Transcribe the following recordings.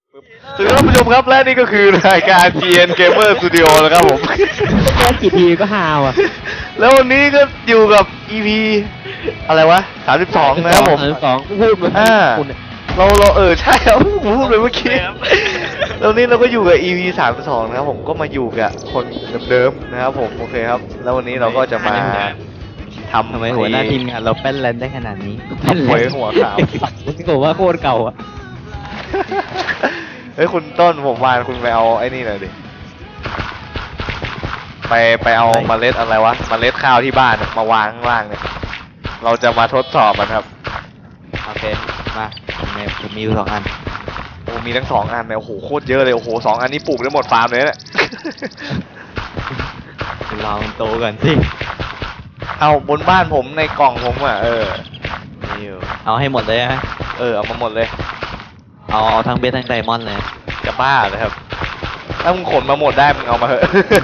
สวัสดีท่านผู้ชมครับและนี่ก็คือรายการ GN Gamer Studio นะครับผมแค่กี่ทีก็ฮาวอ่ะแล้ววันนี้ก็อยู่กับ EP อะไรวะ32นะครับผม 32พูดเหมือนคุณเนี่ยเราใช่ครับผมพูดไปเมื่อกี้แล้วนี้เราก็อยู่กับ EP 32นะครับผมก็มาอยู่กับคนเดิมๆนะครับผมโอเคครับแล้ววันนี้เราก็จะมาทำทำไมหัวหน้าทีมงานเราแป้นแลนได้ขนาดนี้หวยหัวขาวผมบอกว่าโคตรเก่าอ่ะเฮ้ยคุณต้นผมวานคุณไปเอาไอ้นี่หน่อยดิไปเอาเมล็ดอะไรวะเมล็ดข้าวที่บ้านมาวางข้างล่างเนี่ยเราจะมาทดสอบมันครับโอเค มาผมมีอยู่2 อันโอ้มีทั้ง2 อันเนี่ยโอ้โหโคตรเยอะเลยโอ้โห2 อันนี้ปลูกได้หมดฟาร์มเลยเนี่ยรอมันโตก่อนสิเอาบนบ้านผมในกล่องผมอ่ะนี่อยู่เอาให้หมดเลยฮะเอามาหมดเลยเอาทั้งเบสทั้งไดมอนด์เลยจะบ้าเลยครับถ้ามึงขนมาหมดได้มึงเอามาเถอะ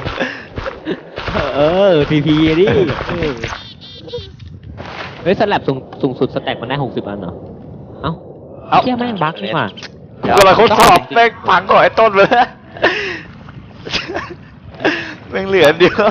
พีดิเฮ้ยสลับสูงสุดสแต็กมันได้60 อันเหรอเอ้าเที่ยแม่งบั๊กนี่หว่าเวลาเขาสอบแม่งพังก่อนไอ้ต้นเลยแม่งเหลืออันเดียว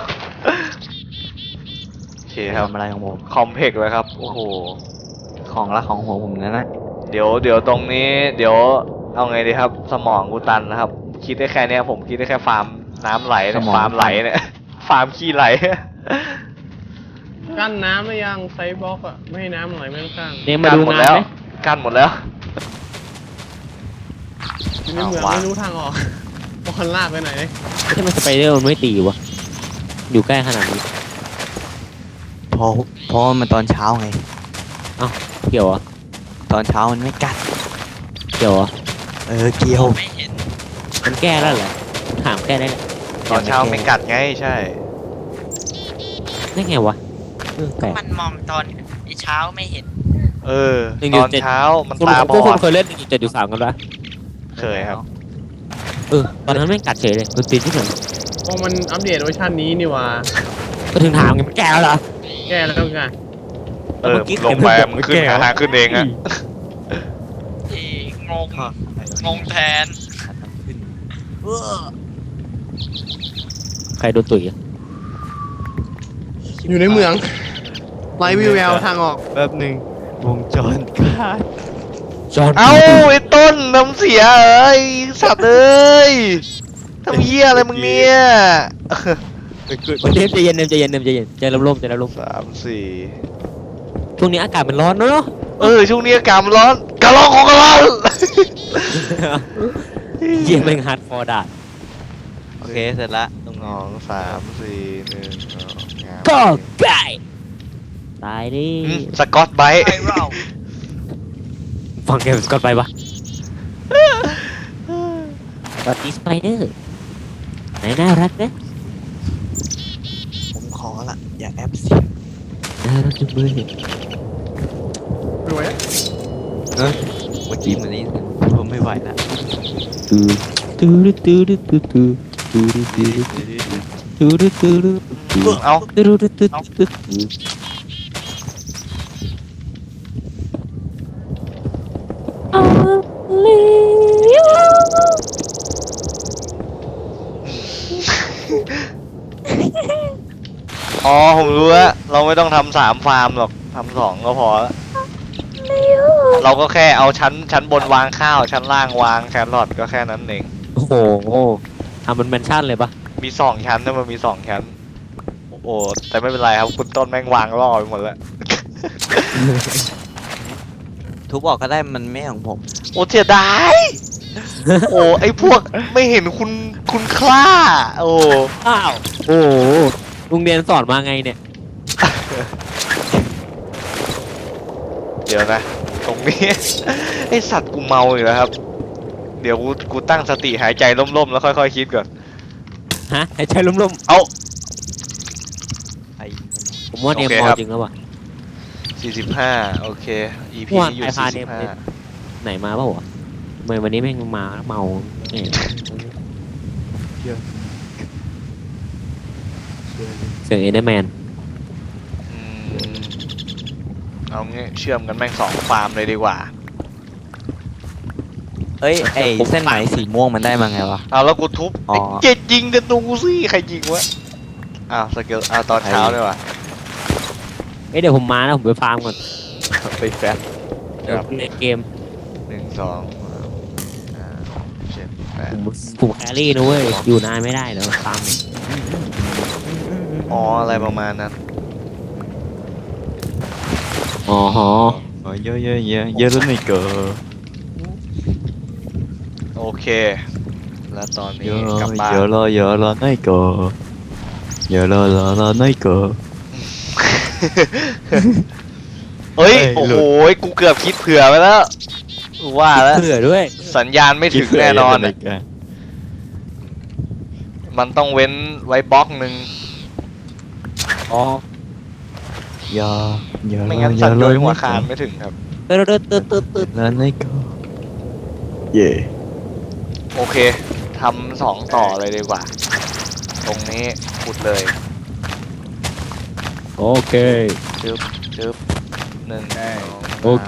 โอเคครับทำอะไรของผมคอมเพกเลยครับโอ้โหของรักของหัวผมนั่นนะเดี๋ยวตรงนี้เดี๋ยวเอาไงดีครับ สมองกูตันนะครับ คิดได้แค่เนี้ยผมคิดได้แค่ฟาร์มน้ำไหลเนี่ยฟาร์มไหลเนี่ย ฟาร์มขี้ไหลกั้นน้ำหรือยังไซส์บล็อกอะไม่ให้น้ำไหลไม่ข้างเนี่ยมากั้นดูหมดงานแล้วไหมกั้นหมดแล้วอยู่ในเมืองวางไม่รู้ทางออกบอลลากไปไหนที่มันสไปเดอร์มันไม่ตีวะอยู่ใกล้ขนาดนี้เพราะมันตอนเช้าไงเกี่ยวเหรอตอนเช้ามันไม่กัดเกี่ยวเหรอเกี่ยวมันแก้แล้วเหรอถามแก้ได้เลยตอนเช้าไม่กัดไงใช่ได้ไงวะแปลกมันมองตอนเช้าไม่เห็นตอนเช้ามันตาบพวกอคุณดเคยเล่น1.3กันปะเคยครับตอนนั้นไม่กัดเฉยเลยดนตรีที่ไหนพอมันอัปเดตเวอร์ชันนี้นี่หว่าก็ถึงถามไงมันแก้แล้วเหรอแก้แล้วไงลงไปมันขึ้นหาขึ้นเองอะที่งงแทนใครโดนตุ๋ยอะอยู่ในเมืองไร้วิวแววทางออกแป๊บหนึ่งวงจรขาดจอห์นเอ้าไอ้ต้นน้ำเสียสัตว์เอ้ยทำเหี้ยอะไรมึงเนี่ยเนมใจเย็นใจเย็นใจร่มใจร่ม 3 ช่วงนี้อากาศมันร้อนเนาะ 4ช่วงนี้อากาศมันร้อนกะร้อนของกะร้อนเยี่ยมเป็นฮาร์ดคอร์ด่าโอเค เสร็จละตรงนี้ 2 3 4 1 ก็ไก่ตายดิสกอตไบท์ไอเราฟังแกสกอตไปปะสวัสดีสไปเดอร์ไหนน่ารักนะผมขอละอย่าแอปเสียงน่ารักจังเลยรวยอะเมื่อกี้มันนี่ผมไม่ไหวละตูตูตูตูตูตูตูตูตูตูตูเอาตูตูตูตูตูอ๋อผมรู้แล้วเราไม่ต้องทำ3 ฟาร์มหรอกทำ2ก็พอแล้วเราก็แค่เอาชั้นบนวางข้าวชั้นล่างวางแครอทก็แค่นั้นเองโอ้โหทำมันแมนชั่นเลยปะมี2 ชั้นนะมันมี2 ชั้นโอ้แต่ไม่เป็นไรครับคุณต้นแม่งวางล่อไปหมดแล้วทุบออกก็ได้มันไม่ของผมโอ้เสียดายโอ้ไอพวกไม่เห็นคุณค่าโอ้อ้าวโอ้โรงเรียนสอนมาไงเนี่ยเดี๋ยวนะ ตรงนี้ ไอสัตว์กูเมาอีกแล้วครับ เดี๋ยวกูตั้งสติหายใจล่มๆแล้วค่อยๆคิดก่อนฮะให้ใช้ล้มเอาไอ้ๆผมว่าเนมโอเคมอครับจริงแล้วว่ะ 45โอเค EP ว่านี้อยู่ใครพาเนม ไหนมาเปล่าวะทำไมวันนี้แม่งมาเมาเนี่ยเสียงเอเดอร์แมน 45เอางี้เชื่อมกันแม่ง2 ฟาร์มเลยดีกว่าเอ้ยไอเส้นไหมสีม่วงมันได้มาไงวะเอาแล้วกูทุบอ๋อไอ้เจ็ดยิงกันดูสิใครยิงวะอ้าวสเกลอ้าวตอนเช้าด้วยวะเดี๋ยวผมมานะผมไปฟาร์มก่อนไปแฟบเดี๋ยวในเกม 1 2 7 ผมแครี่นะเว้ยอยู่นานไม่ได้เดี๋ยวฟาร์มเนี่ย 8อ๋ออะไรประมาณนั้นอ๋อฮะเยอะแล้วไม่เกิดโอเค แล้วตอนเยนี้อะกลับบ้านเยอะแล้วไม่เกิดเยอะแล้วไม่เกิดเฮ้ยเอ้ยโอ้หลุโหดกูเกือบคิดเผื่อไปแล้วว่าแล้วเผื่อด้วยสัญญาณไม่ถึงแน่นอนคิดอะเผื่มันต้องเว้นไว้บล็อกหนึ่งอ๋อเยอะไม่งั้นสั่นโดยหัวขาดไม่ถึงครับตึ๊ดแล้วไม่เกิดเย่โอเคทำ2 ต่อเลยดีกว่า ตรงนี้ขุดเลยโอเคจึ๊บจึ๊บ1 โอเค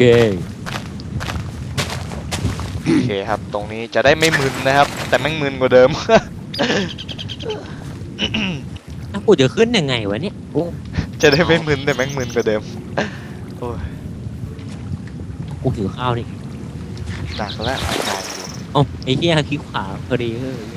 โอเคครับ ตรงนี้จะได้ไม่มึนนะครับ แต่แม่งมึนกว่าเดิมถ้ากูจะขึ้นยังไงวะเนี่ยโอ้จะได้ไม่มึนแต่แม่งมึนกว่าเดิมโอ้ยกูหิวข้าวนี่หนักแล้วอาการอยู่อ๋อไอ้เหี้ยคลิกขวาพอดีเออ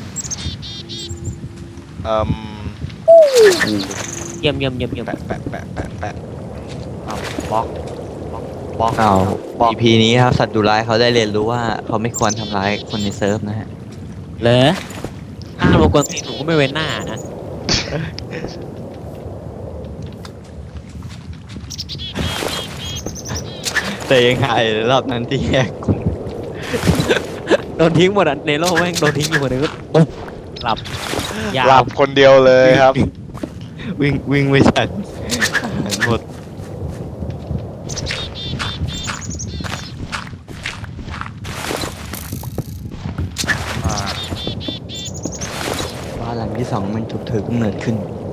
เยี่ยมแปะแปะแปะแปะแปะเอาบล็อกบล็อกเอาบล็อก EP นี้ครับสัตว์ดุร้ายเขาได้เรียนรู้ว่าเขาไม่ควรทำร้ายคนในเซิร์ฟนะฮะเหรอถ้ามากวนตีนหนูก็ไม่เว้นหน้านะแต่ยังหายรอบนั้นที่แยกกลุ่มโดนทิ้งหมดอ่ะในโลกแม่งโดนทิ้งอยู่คนหนึงก็ปุ๊บหลับยาหลัวบคนเดียวเลยครับวิ่งไม่ทันหมดบ้านหลังที่ 2มันถูกถือกำเนิดขึ้น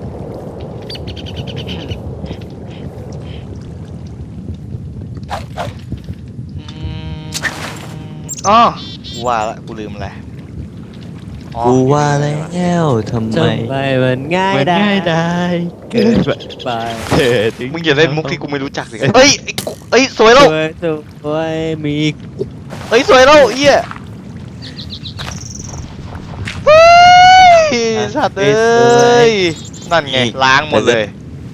อ๋อกูว่าละกูลืมอะไรอ๋อกูว่าแล้วทำไมทำไมมันง่ายมันได้ง่ายได้เกินไปเธอถึงมึงอย่าเล่นมุกที่กูไม่รู้จักสิเฮ้ยไอ้กูเอ้ยสวยแล้วสวยมีเฮ้ยสวยแล้วเอี้ยเฮ้ยสัตว์เอ้ยนั่นไงล้างหมดเลย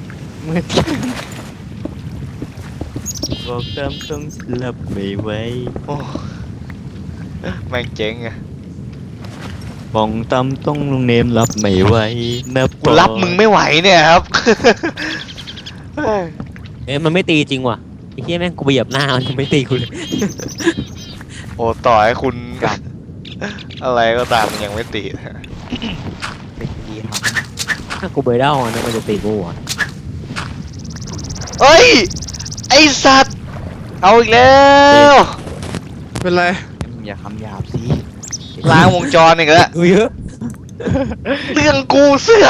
บอกตามต้องสลับไม่ไหวโอ้แม่งเจ๊งอะบองตามต้องลุงเนมรับไม่ไหวนะกูรับมึงไม่ไหวเนี่ยครับเอ้ยมันไม่ตีจริงว่ะไอ้เหี้ยแม่งกูไปเหยียบหน้ามันยังไม่ตีกูเลยโอ้ต่อให้คุณ อะไรก็ตามมันยังไม่ติดไม่ดีครับถ้ากูไปเด้าอ่ะนะมันจะตีกูอ่ะเฮ้ย ไอสัตว์ เอาอีกแล้วเป็นไรอย่าคำหยาบสิล้างวงจรอีกแล้วกูเยอะเรื่องกูเสือก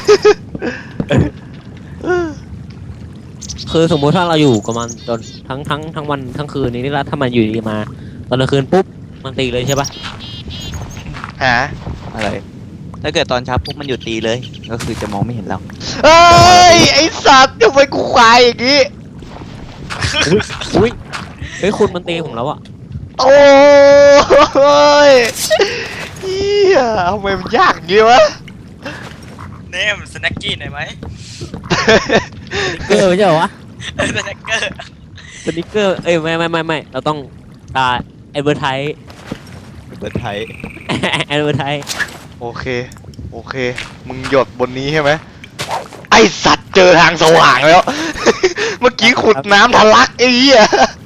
คือสมมุติถ้าเราอยู่กับมันจนทั้งวันทั้งคืนนี้นี่แล้วถ้ามันอยู่ดีมาตอนกลางคืนปุ๊บมันตีเลยใช่ปะหาอะไร ถ้าเกิดตอนเช้าปุ๊บมันหยุดตีเลย ก็คือจะมองไม่เห็นเราเฮ้ย ไอสัตว์ทำไมกูควายอย่างงี้อุ้ยเฮ้ยคุณมันตีผมแล้วอ่ะโอ้ยเฮียทำไมมันยากอย่างงี้วะเนมสแน็กกี้หน่อยไหมเกอร์ไม่ใช่เหรอวะสแน็กเกอร์สนิกเกอร์เอ้ยไม่เราต้องแอดเวอร์ไทส์เปิดไทยแอดเวอร์ไทส์โอเค โอเค มึงหยดบนนี้ใช่ไหม ไอสัตว์เจอทางสว่างแล้ว เมื่อกี้ขุดน้ำทะลักไอ้เหี้ย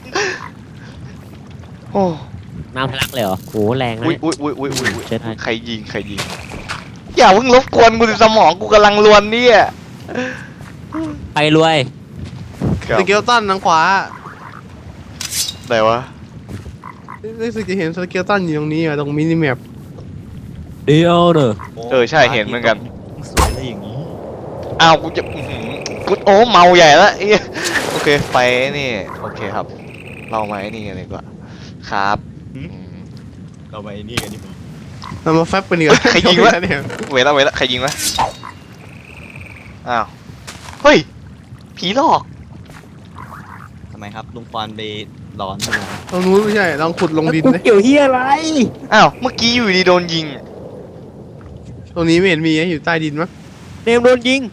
โอ้น้ำทะลักเลยเหรอโหแรงนะอุ้ยเนี่ยอุ้ยอุ้ยอุ้ยอุ้ยใช่ได้ใครยิงใครยิง อย่าเพิ่งรบกวนกูสิสมองกูกำลังรวนเนี่ยไปรวยสเกลตันทางขวาไหนวะรู้สึกจะเห็นสเกลตันอยู่ตรงนี้อ่ะตรงมินิแมปเดียวเนอะเออใช่เห็นเหมือนกันสวยเลยอย่างนี้อ้าวกูจะอื้อหือกูโอ้เมาใหญ่แล้วไอ้เหี้ยโอเคไปนี่โอเคครับ เรามาไอ้นี่กันดีกว่าครับอืมเราไปนี่กันดีกว่าเรามาแฟบกันดีกว่าใครยิงวะเนี่ยเวละใครยิงวะอ้าวเฮ้ยผีหลอกทำไมครับลุงควานไปร้อนใช่ไหมตรงนู้นไม่ใช่ลองขุดลงดินกูนะเกี่ยวเฮียอะไรอ้าวเมื่อกี้อยู่ดีโดนยิงตรงนี้ไม่เห็นมีนะอยู่ใต้ดินมั้งเนมโดนยิง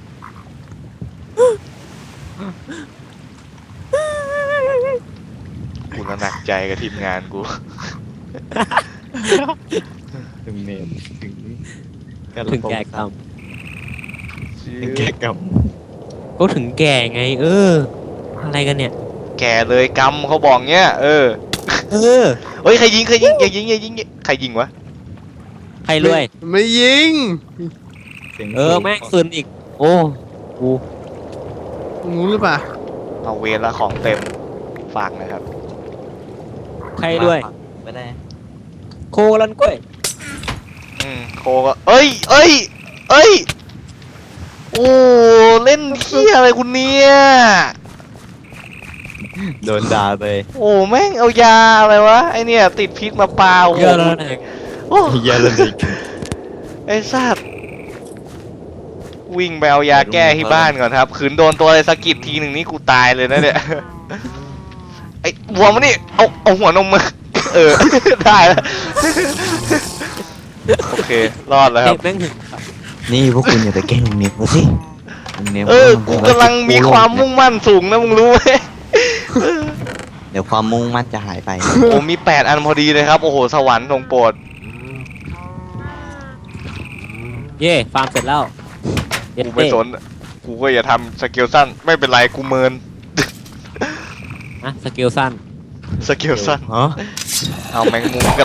กูน่ะหนักใจกับทีมงานกูถึงเนมถึงถึงแก่กรรมถึงแก่กรรมก็ถึงแก่ไง อะไรกันเนี่ยแก่เลยกำเขาบอกเงี้ยเออเออเฮ้ยใครยิงอย่ายิงใครยิงวะใครรวยไม่ยิงเสียงแม่งคืนอีก โอ้กูตรงนู้นหรือเปล่าเอาเวรละของเต็มฝากนะครับใครรวยไม่ได้โคลันกล้วยโคก็เอ้ยโอ้เล่นเที่ยอะไรคุณเนี่ยโดนด่าไปโอ้แม่งเอายาอะไรวะไอเนี่ยติดพิษมาเปล่าเยอะแล้วนะโอ้เยอะเลยไอ้สัตว์วิ่งไปเอายาแก้ที่บ้านก่อนครับขืนโดนตัวอะไรสะกิดทีหนึ่งนี่กูตายเลยนะเนี่ย ไอ้บัวมันนี่เอาหัวนมมาเออ ได้แล้ว โอเค รอดแล้วครับแม่งถึงนี่พวกคุณอย่าไปแกล้งลุงเนมเขาสิลุงเนมกูกำลังมีความมุ่งมั่นสูงนะมึงรู้ไหมเดี๋ยวความมุ่งมั่นจะหายไปโอ้มี8 อันพอดีเลยครับ โอ้โห สวรรค์ทรงโปรดเย่ฟาร์มเสร็จแล้วกูไม่สน กูก็อย่าทำสเกลสั้น ไม่เป็นไร กูเมินนะสกิลสั้นสเกลสั้นฮะเอาแมงมุมก็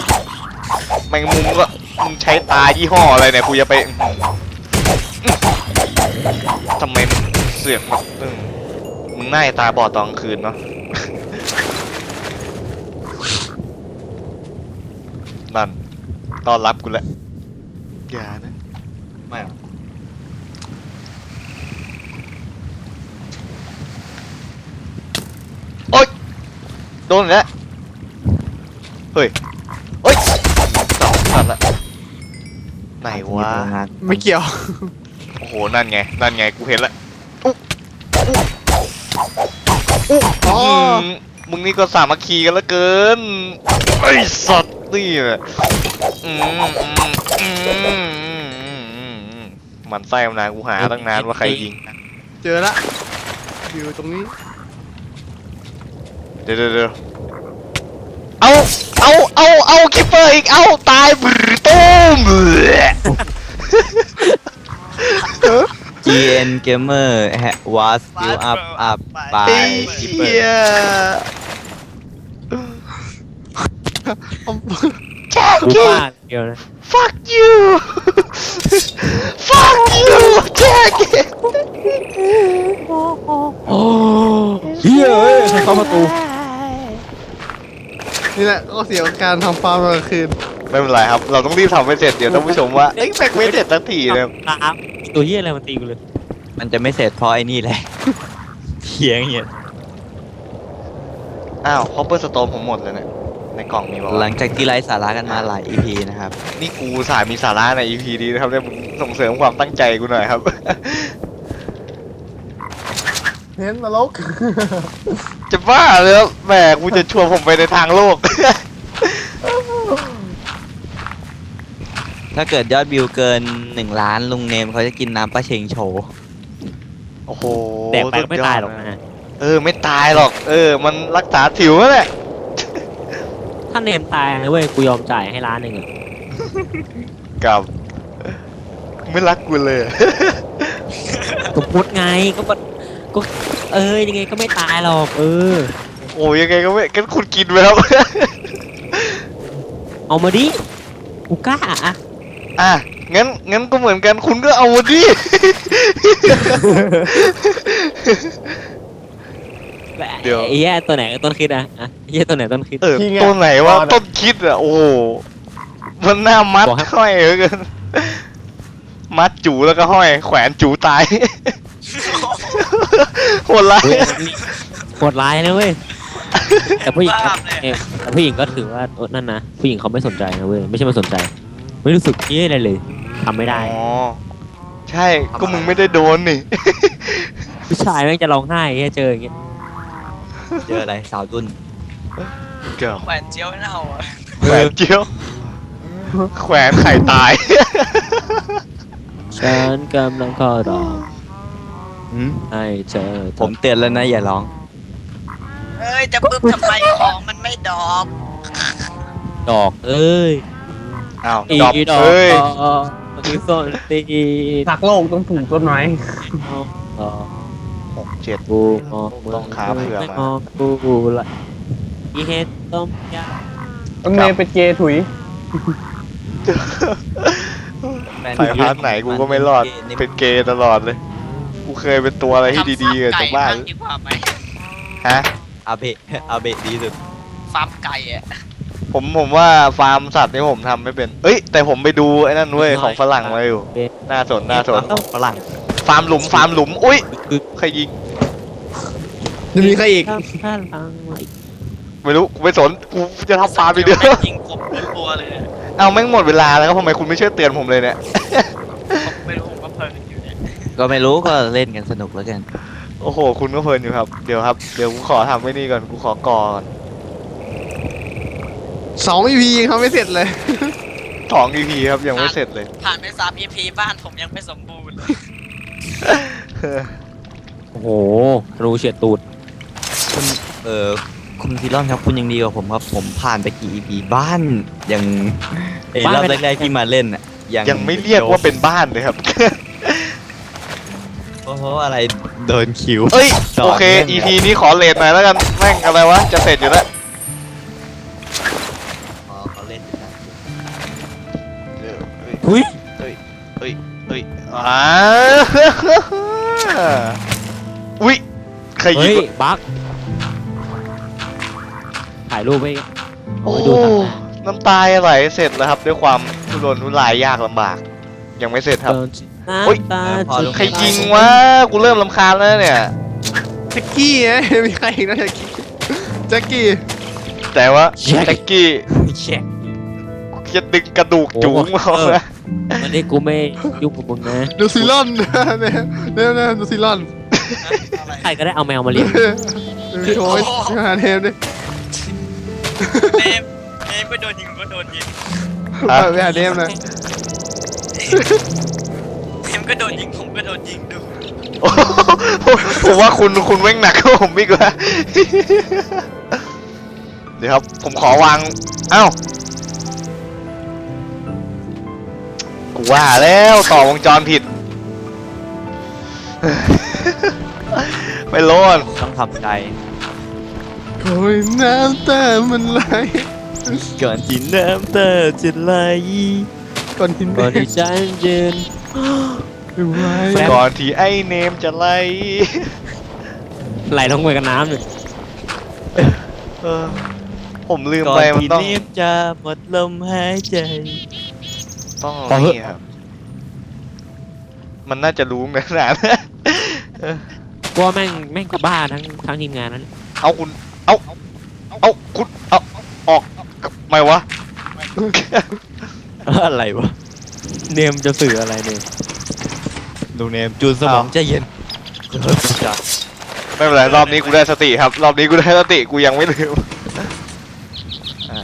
มึงใช้ตายี่ห้ออะไรเนี่ย กูจะไปทำไมเสือกแบบมึงหน้าตาบอดตอนกลางคืนเนาะ นั่นต้อนรับกูแหละอย่านะไม่หรอโอ๊ยโดนอีกแล้วเฮ้ยโอ๊ยสองสัตว์ละไหนวะไม่เกี่ยวโอ้โห นั่นไง กูเห็นละอ๋อมึงนี่ก็สามัคคีกันละเกิน ไอ้สัตว์นี่แหละมันไส้มานานกูหาตั้งนานว่าใครยิงเจอละอยู่ตรงนี้เดี๋ยวเอาคิปเปอร์อีก เอาตายบรตุ้ม GN Gamer was still up ไอ้ by เหี้ Keeper ย แจ็คกูกี้ฟาดเดียวนะ fuck you fuck you แจ็คกี้โอ้เฮียเอ้ยใครเข้าประตูนี่แหละก็เสียการทำฟาร์มกลางคืนไม่เป็นไรครับ เราต้องรีบทำให้เสร็จ เดี๋ยวท่านผู้ชมว่า เอ้ยแม็กไม่เสร็จสักทีเลยครับตัวเฮียอะไรมันตีกูเลยมันจะไม่เสร็จเพราะไอ้นี่แหละ เถียงอย่างเงี้ยอ้าวคอปเปอร์สโตมผมหมดเลยเนี่ย ในกล่องมีบอกหลังจากที่ไร้สาระกันมาหลาย EP นะครับนี่กูสายมีสาระใน EP นี้นะครับเนี่ยมึงส่งเสริมความตั้งใจกูหน่อยครับเห็นนรกจะบ้าเลยครับแหมกูจะชวนผมไปในทางโลกถ้าเกิดยอดวิวเกิน1 ล้านลุงเนมเขาจะกินน้ำปลาเชงโชว์โอ้โหแดกไปก็ไม่ตายหรอกนะไม่ตายหรอก มันรักษาผิวนั่นแหละถ้าเนมตายนะเว้ย กูยอมจ่ายให้1 ล้านอะกับ ไม่รักกูเลยสมมติไงก็แบบก็ยังไงก็ไม่ตายหรอกโอ้ยยังไงก็ไม่งั้นคุณกินไปครับเอามาดิ กูกล้าอะอ่ะงั้นก็เหมือนกันคุณก็เอาดิ เดี๋ยวไอ้เหี้ยตัวไหนต้นคิดอะไอ้เหี้ยตัวไหนต้นคิดตัวไหนว่าต้นคิดอ่ะ โอ้โหมันหน้ามัดบอกให้ห้อยเหลือเกินมัดจูแล้วก็ห้อย แขวนจูตาย โหดร้ายโหดร้ายนะเว้ยแต่ผู้หญิงก็บ้าเลยแต่ผู้หญิงก็ถือว่านั่นนะผู้หญิงเขาไม่สนใจนะเว้ยไม่ใช่ไม่สนใจ ไม่รู้สึกนี่อะไรเลยทำไม่ได้อ๋อใช่ก็มึงไม่ได้โดนนี่ผู้ชายแม่งจะร้องไห้แค่เจออย่างเงี้ยเจออะไรสาวดุนเกือบแหวนเจียวเน่าอ่ะแขวนเจียวแขวนไข่ตายฉันกำลังขอร้องหืมให้เธอผมเตือนแล้วนะอย่าร้องเอ้ยจะปึ๊บทำไมของมันไม่ดอกดอกเอ้ยอ้าวอีดอกดอกเอ้ยอีส้นตีหักโลกต้องปลูกต้นไม้ดอก 6 7 กูมองต้องขาเผื่อมาไม่มองกูละอีเฮ็ดต้มยำต้นเมย์เป็นเกย์ถุยสายพาร์ทไหนกูก็ไม่รอด เป็นเกย์ตลอดเลย กูเคยเป็นตัวอะไรที่ดีๆกับทำฟาร์มจากบ้านไก่ดีกว่าไหมฮะอาเบะอาเบะดีสุดฟาร์มไก่อ่ะผมว่าฟาร์มสัตว์นี่ผมทำไม่เป็น เอ้ย แต่ผมไปดูไอ้นั่นเว้ยของฝรั่งมาอยู่ น่าสนฝรั่งฟาร์มหลุม อุ้ย ใครยิงจะมีใครอีกข้างหลังไม่รู้ กูไม่สน กูจะทำฟาร์มไปเดียวแม่งยิงผมตัวเลยอะเอาแม่งหมดเวลาแล้วก็ทำไมคุณไม่ช่วยเตือนผมเลยเนี่ยผมไม่รู้ผมก็เพลินอยู่เนี่ยก็ไม่รู้ก็เล่นกันสนุกแล้วกันโอ้โห คุณก็เพลินอยู่ครับ เดี๋ยวครับ เดี๋ยวกูขอทำไว้นี่ก่อน กูขอก่อน 2 EP ยังทำไม่เสร็จเลย 2 EP ครับยังไม่เสร็จเลยผ่านไป3 EP บ้านผมยังไม่สมบูรณ์เลยโอ้โหรูเฉียดตูดคุณคุณซีรอนครับคุณยังดีกว่าผมครับผมผ่านไปกี่ EP บ้านยังรอบแรกๆที่มาเล่นอ่ะยังไม่เรียกว่าเป็นบ้านเลยครับเพราะอะไรโดนคิวเอ้ยต่โอเคนื่ง EP นี้ขอเลทหน่อยแล้วกัน แม่งอะไรวะ จะเสร็จอยู่แล้วอ๋อเขาเล่นอยู่นะหุ้ยเอ้ยอ่าอุ้ยใครยิเฮ้งยวะบั๊กถ่ายรูปไว้เอาโอ้ไว้ดูทางหน้าน้ำตาไหลเสร็จแล้วครับ ด้วยความทุรนทุรายยากลำบาก ยังไม่เสร็จครับ โอ๊ยน้ำตาใครยิงวะ กูเริ่มรำคาญแล้วเนี่ยแจ็คกี้ไงมีใครอีกนะแจ็คกี้แจ็คกี้แต่ว่าแจ็คกี้แช็คจะดึงกระดูกจูงมาเออนะวันนี้กูไม่ยุ่งกับมึงนะดูซิลอนเนี่ยดูซิลอนอะไรใครก็ได้เอาแมวมาเลี้ยงโชว์หาเทมดิเนมก็โดนยิงผมก็โดนยิงไปหาเทมนะเนมก็โดนยิงผมก็โดนยิงดูโอ้โหผมว่าคุณแม่งหนักกว่าผมอีกว่า เดี๋ยวครับ ผมขอวาง เอ้า กูว่าแล้วต่อวงจรผิด ไม่รอดต้องทำใจโอ้ยน้ำตามันไหลก่อนที่น้ำตาจะไหลก่อนกินก่อนที่ฉันยืนไว้แฟนก่อนที่ไอ้เนมจะไล่ไหลลงไปกับน้ำเลยเออผมลืมก่อไปนมันที่ต้องเนมจะหมดลมหายใจต้องนี่ครับ มันน่าจะรู้เหมือนกันกูว่าแม่งก็บ้าทั้งทีมงานนั้นเอาคุณ เอาคุณเอาออกไม่วะอะไรวะเนมจะสื่ออะไรเนี่ยลุงเนมจูนสมองใจเย็นจ้ะไม่เป็นไรรอบนี้กูได้สติครับ รอบนี้กูได้สติกูยังไม่ลืมอ่า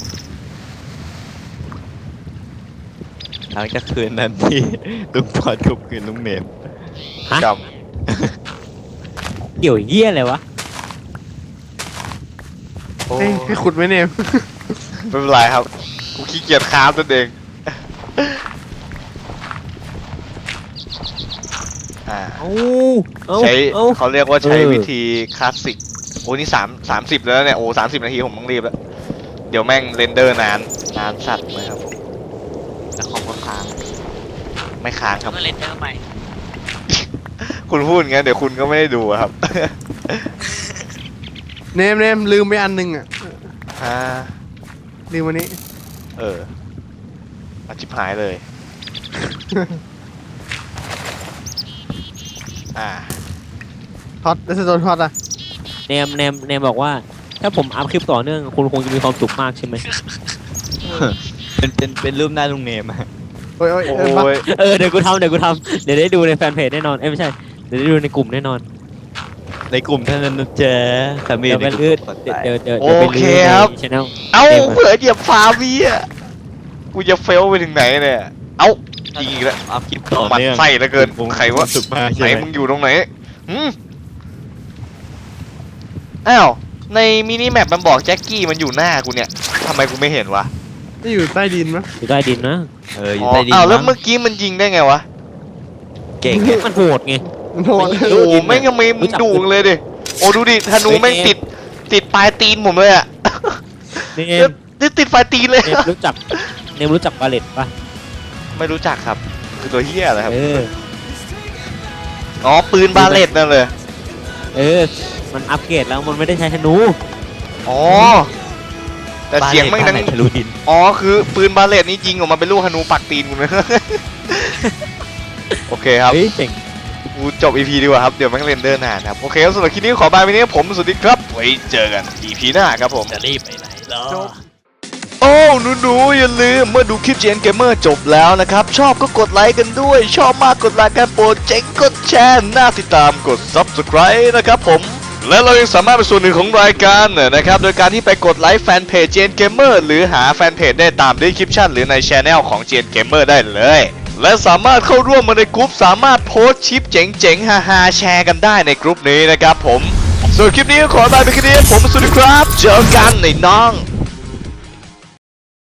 หลังจากคืนนั้นที่ลุงพอดข่มขืนลุงเนมฮะกเกี่ยวเยี่ยอะไรวะำโอ้ให้ขุดไหมเนี่ยไม่เป็นไรครับ กูขี้เกียจค้ามตัวเองอ่าเอาใช้เอาเขาเรียกว่าใช้เออวิธีคลาสสิกโอ้นี่30แล้วเนี่ยโอ้30 นาทีผมต้องรีบแล้วเดี๋ยวแม่งเรนเดอร์นานสัตว์เลยครับผมแล้วคอมก็ค้างไม่ค้างครับก็เล่นเดอร์ใหม่คุณพูดงั้นเดี๋ยวคุณก็ไม่ได้ดูอะครับเนมลืมไปอันหนึงอ่ะอ่าลืมวันนี้เอออาชิบหายเลย อ่าท็อตแล้วจะโดนท็อตอ่ะเนมบอกว่าถ้าผมอัพคลิปต่อเนื่องคุณคงจะมีความสุขมากใช่ไหมเป็นรูปหน้าลุงเนมอะโอ้ยโอ้ยโอ้เออบ้ายเดี๋ยวกูทำเดี๋ยวได้ดูในแฟนเพจแน่นอนไม่ใช่เดี๋ยวได้ดูในกลุ่มแน่นอนในกลุ่มเท่านั้นนะจ๊ะถ้ามีเดี๋ยวในไปกลื่ลุ่นมกดเดี๋ยวไลค์เดี๋ยวเดี๋ยวโอไปเคลื่นครับใน channel เอ้าเผื่อเหยียบฟาวีอ่ะกูจะเฟลไปถึงไหนเนี่ยเอ้ายิงอีกแล้วอัพคลิปต่อหมันเนื่องไส้เหลือเกินใครวะสุดมากไหนใช่ไหมมึงอยู่ตรงไหนหืมอ้าวในมินิแมปมันบอกแจ็คกี้มันอยู่หน้ากูเนี่ยทำไมกูไม่เห็นวะนี่อยู่ใต้ดินมั้ยอยู่ใต้ดินนะอยู่ใต้ดินอ้าวแล้วมั้งเมื่อกี้มันยิงได้ไงวะเก่งไงมันโหดไงโหดโอ้โหแม่งยังไม่มึงดูเลยดิโอ้ดูดิธนูแม่งติดปลายตีนผมเลยอ่ะเนนี่ติดปลายตีนเลยมรู้จักบาเลตปะไม่รู้จักครับคือตัวเฮียอะไรครับออ๋อปืนบาเลตนั่นเลยมันอัปเกรดแล้วมันไม่ได้ใช้ธนูอ๋อแต่เสียงแม่งดังบ้านไหนทะลุดินอ๋อคือปืนบาเลตนี่ยิงออกมาเป็นลูกธนูปักตีนกูเลย โอเคครับเฮ้ยเจ๋งกูจบ EP ดีกว่าครับ เดี๋ยวแม่งเรนเดอร์นานครับ โอเคครับสำหรับคลิปนี้ขอบายไปนี้ผมสวัสดีครับ ไว้เจอกัน EP หน้าครับผมจะรีบไปไหนล่ะโอ้หนูๆอย่าลืมเมื่อดูคลิป GN Gamer จบแล้วนะครับ ชอบก็กดไลค์กันด้วย ชอบมากกดไลค์กันโปรดเจ๋งกดแชร์น่าติดตามกด Subscribe นะครับผม และเรายังสามารถเป็นส่วนหนึ่งของรายการนะครับ โดยการที่ไปกดไลค์แฟนเพจ GN Gamer หรือหาแฟนเพจได้ตาม description หรือใน Channel ของ GN Gamer ได้เลย และสามารถเข้าร่วมมาในกลุ่มสามารถโพสต์คลิปเจ๋งๆฮาๆแชร์กันได้ในกลุ่มนี้นะครับผมส่วนคลิปนี้ก็ขอลาไปแค่นี้ผมสวัสดีครับเจอกันในน้อง